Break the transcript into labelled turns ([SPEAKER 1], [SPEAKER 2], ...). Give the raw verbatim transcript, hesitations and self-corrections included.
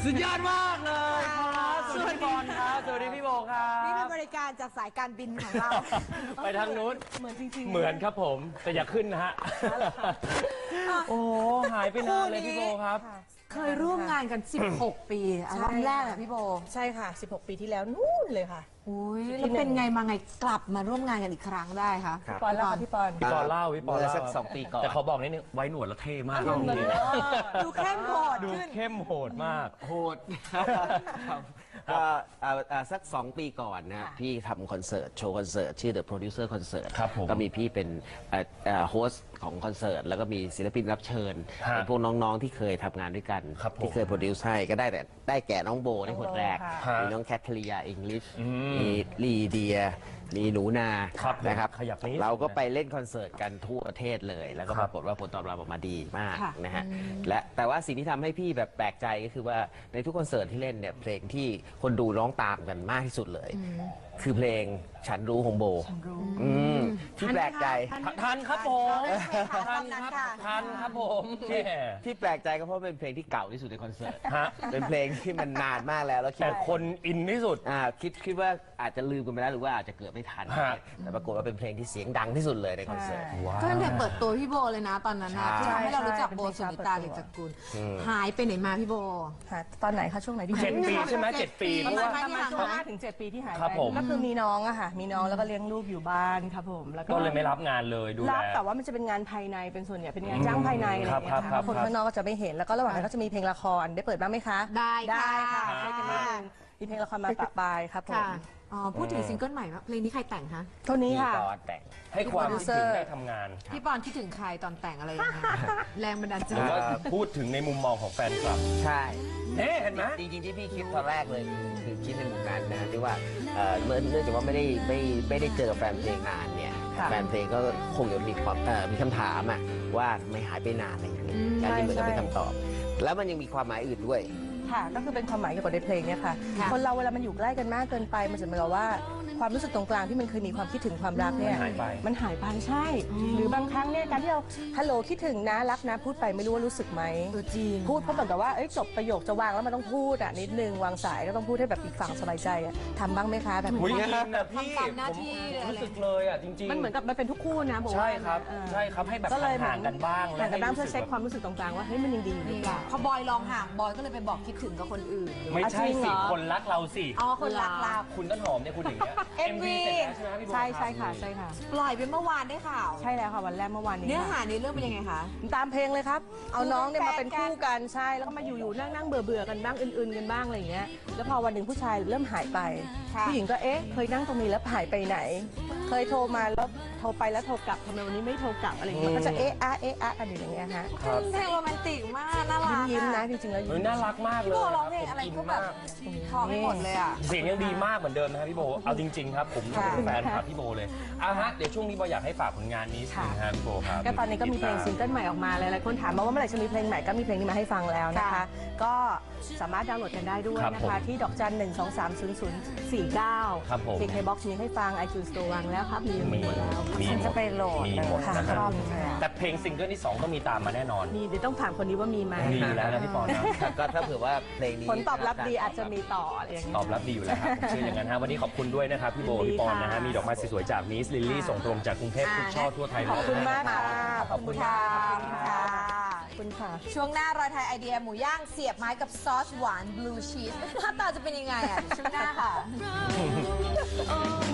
[SPEAKER 1] สุดยอดมากเลยครับสวัสดีพี่บอลครับสวัสดีพี่โบครับ
[SPEAKER 2] นี่เป็นบริการจากสายการบินของเรา
[SPEAKER 1] ไปทางนู้น
[SPEAKER 2] เหมือนจริงๆ
[SPEAKER 1] เหมือนครับผมแต่อย่าขึ้นนะฮะโอ้หายไปนานเลยพี่โบครับ
[SPEAKER 2] เคยร่วมงานกันสิบหกปีอัลบั้มแรกอะพี่โบ
[SPEAKER 3] ใช่ค่ะสิบหกปีที่แล้วนู่นเลยค่ะ
[SPEAKER 2] อุ้ยแล้วเป็นไงมาไงกลับมาร่วมงานกันอีกครั้งได้คะ
[SPEAKER 3] พี่ปอนเล่าพี่ปอน
[SPEAKER 1] พี่ปอนเล่าพี่ปอนเล่า
[SPEAKER 4] สักสองปีก่อน
[SPEAKER 1] แต่เขาบอกนิดนึงไว้หนวดแล้วเท่มาก
[SPEAKER 2] ดูเข้มโหด
[SPEAKER 1] ดูเข้มโหดมาก
[SPEAKER 4] โหดก็สักสองปีก่อนนะพี่ทำคอนเสิร์ตโชว์คอนเสิร์ตชื่อ The Producer Concert ก็มีพี่เป็นโฮสต์ของคอนเสิร์ตแล้วก็มีศิลปินรับเชิญเป็นพวกน้องๆที่เคยทำงานด้วยกันที่เคยโปรดิวซ์ให้ก็ได้แต่ได้แก่น้องโบในคนแรกมีน้องแคทเธอรียาอังกฤษมีลีเดียมีหนูนานะครับเราก็ไปเล่นคอนเสิร์ตกันทั่วประเทศเลยแล้วก็ปรากฏว่าผลตอบรับออกมาดีมากนะฮะและแต่ว่าสิ่งที่ทำให้พี่แบบแปลกใจก็คือว่าในทุกคอนเสิร์ตที่เล่นเนี่ยเพลงที่คนดูร้องตามกันมากที่สุดเลยคือเพลงฉันรู้ของโบที่แปลกใจ
[SPEAKER 1] ทันครับผมทันครับทันครับผม
[SPEAKER 4] ที่แปลกใจก็เพราะเป็นเพลงที่เก่าที่สุดในคอนเสิร์ตเป็นเพลงที่มันนานมากแล้วแล้ว
[SPEAKER 1] แต่คนอินที่สุด
[SPEAKER 4] อ่าคิดคิดว่าอาจจะลืมกันไปแล้วหรือว่าอาจจะเกิดไม่ทันแต่ปรากฏว่าเป็นเพลงที่เสียงดังที่สุดเลยในคอนเสิร์ต
[SPEAKER 2] ก็ตั้งแต่เปิดตัวพี่โบเลยนะตอนนั้นนะที่ทำให้เรารู้จักโบสุนิตา ลิมจักกุลหายไปไหนมาพี่โบ
[SPEAKER 3] ตอนไหนคะช่วงไหนที่
[SPEAKER 1] เจ็ดปีใช่ไหมเจ็ดปี
[SPEAKER 3] ประมาณช่วงห้าถึงเจ็ดปีที่หายไปก็คือมีน้องอะค่ะมีน้องแล้วก็เลี้ยงลูกอยู่บ้านครับผมแล้ว
[SPEAKER 1] ก็เลยไม่รับงานเลยดูแล
[SPEAKER 3] รับแต่ว่ามันจะเป็นงานภายในเป็นส่วนใหญ่เป็นงานจ้างภายในอะไรอย่างเงี้ยค่ะคนข้างนอกก็จะไม่เห็นแล้วก็ระหว่างนั้นก็จะมีเพลงละครได้เปิดบ้างไหมคะ
[SPEAKER 2] ได้
[SPEAKER 3] ได้ค่ะช่วยกันนิดนึงมีเพลงละครมาปะปายครับผม
[SPEAKER 2] อ๋อพูดถึงซิงเกิลใหม่ว่าเพลงนี้ใครแต่งคะ
[SPEAKER 3] ตัวนี้ค่ะ
[SPEAKER 4] พี่ปอนแต่ง
[SPEAKER 1] ให้ความคิดถึงได้ทำงาน
[SPEAKER 2] พี่ปอนคิดถึงใครตอนแต่งอะไรยังไงแรงบันดาลใจ
[SPEAKER 1] หรือว่าพูดถึงในมุมมองของแฟนคลับ
[SPEAKER 4] ใช่
[SPEAKER 1] เห็นไหม
[SPEAKER 4] จริงๆที่พี่คิดตอนแรกเลยคือคิดในมุมนั้นนะที่ว่าเนื่องจากว่าไม่ได้ไม่ไม่ได้เจอแฟนเพลงนานเนี่ยแฟนเพลงก็คงจะมีความมีคำถามอะว่าไม่หายไปนานอะไรอย่างเงี้ยการที่เหมือนกับเป็นคำตอบแล้วมันยังมีความหมายอื่นด้วย
[SPEAKER 3] ค่ะก็คือเป็นความหมายเกี่ยวกับในเพลงเนี่ยค่ะคนเราเวลามันอยู่ใกล้กันมากเกินไปมันจะเหมือนกับว่าความรู้สึกตรงกลางที่มันเคยมีความคิดถึงความรักเนี่ยมันหายไปใช่หรือบางครั้งเนี่ยการที่เราฮัลโหลคิดถึงนะรักนะพูดไปไม่รู้ว่ารู้สึกไหม
[SPEAKER 2] จริง
[SPEAKER 3] พูดเพราะเหมือนกับว่าจบประโยคจะวางแล้วมันต้องพูดอ่ะนิดนึงวางสายก็ต้องพูดให้แบบอีกฝั่งสบายใจอ่ะทำบ้างไหมคะแบบ
[SPEAKER 1] นี้นะพี่ผมรู้สึกเลยอ่ะจริงๆ
[SPEAKER 3] มันเหมือนกับมันเป็นทุกคู่นะ
[SPEAKER 1] ใช่ครับใช่ครับให้แบบห่างกันบ้าง
[SPEAKER 3] ห่างกันบ้างเพื่อเช็คความรู้สึกตรงกลางว่าเฮ้ยมันยังดีอยู่หรือเปล่า
[SPEAKER 2] พอบอยลองห่างบอยก็เลยไปบอกคิดถึงกับคนอื่น
[SPEAKER 1] ไม่ใช่สิคนรักเราสิ
[SPEAKER 2] อ๋อคนรักเรา
[SPEAKER 1] คุณต้นหอมเนี่ยคุณอย่างเงี้ย
[SPEAKER 2] เอ็ม วี
[SPEAKER 3] ใช่ใช่ค่ะใช่ค่ะ
[SPEAKER 2] ปล่อยไปเมื่อวานได้ข่าว
[SPEAKER 3] ใช่แล้วค่ะวันแรกเมื่อวานนี้
[SPEAKER 2] เนื้อหาในเรื่องเป็นยังไงคะ
[SPEAKER 3] ตามเพลงเลยครับเอาน้องเนี่ยมาเป็นคู่กันใช่แล้วก็มาอยู่ๆนั่งนั่งเบื่อเบื่อกันบ้างอื่นๆกันบ้างอะไรอย่างเงี้ยแล้วพอวันหนึ่งผู้ชายเริ่มหายไปผู้หญิงก็เอ๊ะเคยนั่งตรงนี้แล้วหายไปไหนเคยโทรมาแล้วโทรไปแล้วโทรกลับทำไมวันนี้ไม่โทรกลับอะไรอย่างเงี้ยก็จะเอ๊ะอะเอ๊ะอะกันอย่างเงี้ยฮะ
[SPEAKER 2] เพลงโรแมนติกมากน่ารัก
[SPEAKER 3] ยิ้มนะจริงๆแล้ว
[SPEAKER 1] น่ารักมากเลยพี่
[SPEAKER 2] โบร้องเพลงอะไรก็แบบพอไม่หมดเลยอ่ะ
[SPEAKER 1] เสียงยังดีมากเหมือนเดิมนะพี่โบเอาจริงๆครับผมเป็นแฟนคลับพี่โบเลยอ่ะฮะเดี๋ยวช่วงนี้โบอยากให้ฝากผลงานนี้สิฮะพี่โบครับ
[SPEAKER 3] ก็ตอนนี้ก็มีเพลงซิงเกิลใหม่ออกมาหลายๆคนถามมาว่าเมื่อไหร่จะมีเพลงใหม่ก็มีเพลงนี้มาให้ฟังแล้วนะคะก็สามารถดาวน์โหลดกันได้ด้วยนะคะที่ดอกจันหนึ่งสองสามศูนย์ศูนย์สี่เก้าเพลงไฮบ็อกซ์มีให้ฟัง ไอจูน สโตร์ วางแล้วครับมีหมดแล้ว
[SPEAKER 2] ฉันจะไปโหลด
[SPEAKER 1] ชอบแต่เพลงซิงเกิลที่สองก็มีตามมาแน่นอน
[SPEAKER 3] มีเดี๋ยวต้องถามคนนี้ว่ามีไหม
[SPEAKER 1] มีอยู่แล้วนะพี่ปอนนะ
[SPEAKER 4] ก็ถ้าเผื่อว่าเพลงนี้
[SPEAKER 3] ผลตอบรับดีอาจจะมีต่ออะไรอย่างเงี้ย
[SPEAKER 1] ตอบรับดีอยู่แล้วครับเชื่ออย่างนั้นฮะวันนี้ขอบคุณด้วยนะครับพี่โบพี่ปอนนะฮะมีดอกไม้สวยๆจากมิสลิลลี่ส่งตรงจากกรุงเทพทุกช่อทั่วไทย
[SPEAKER 3] ขอบคุณมากค่ะ
[SPEAKER 2] ขอบคุณค่ะ
[SPEAKER 3] ขอบคุณค่ะ
[SPEAKER 2] ช่วงหน้ารอยไทยไอเดียหมูย่างเสียบไม้กับซอสหวานบลูชีสหน้าตาจะเป็นยังไงอ่ะช่วงหน้าค่ะ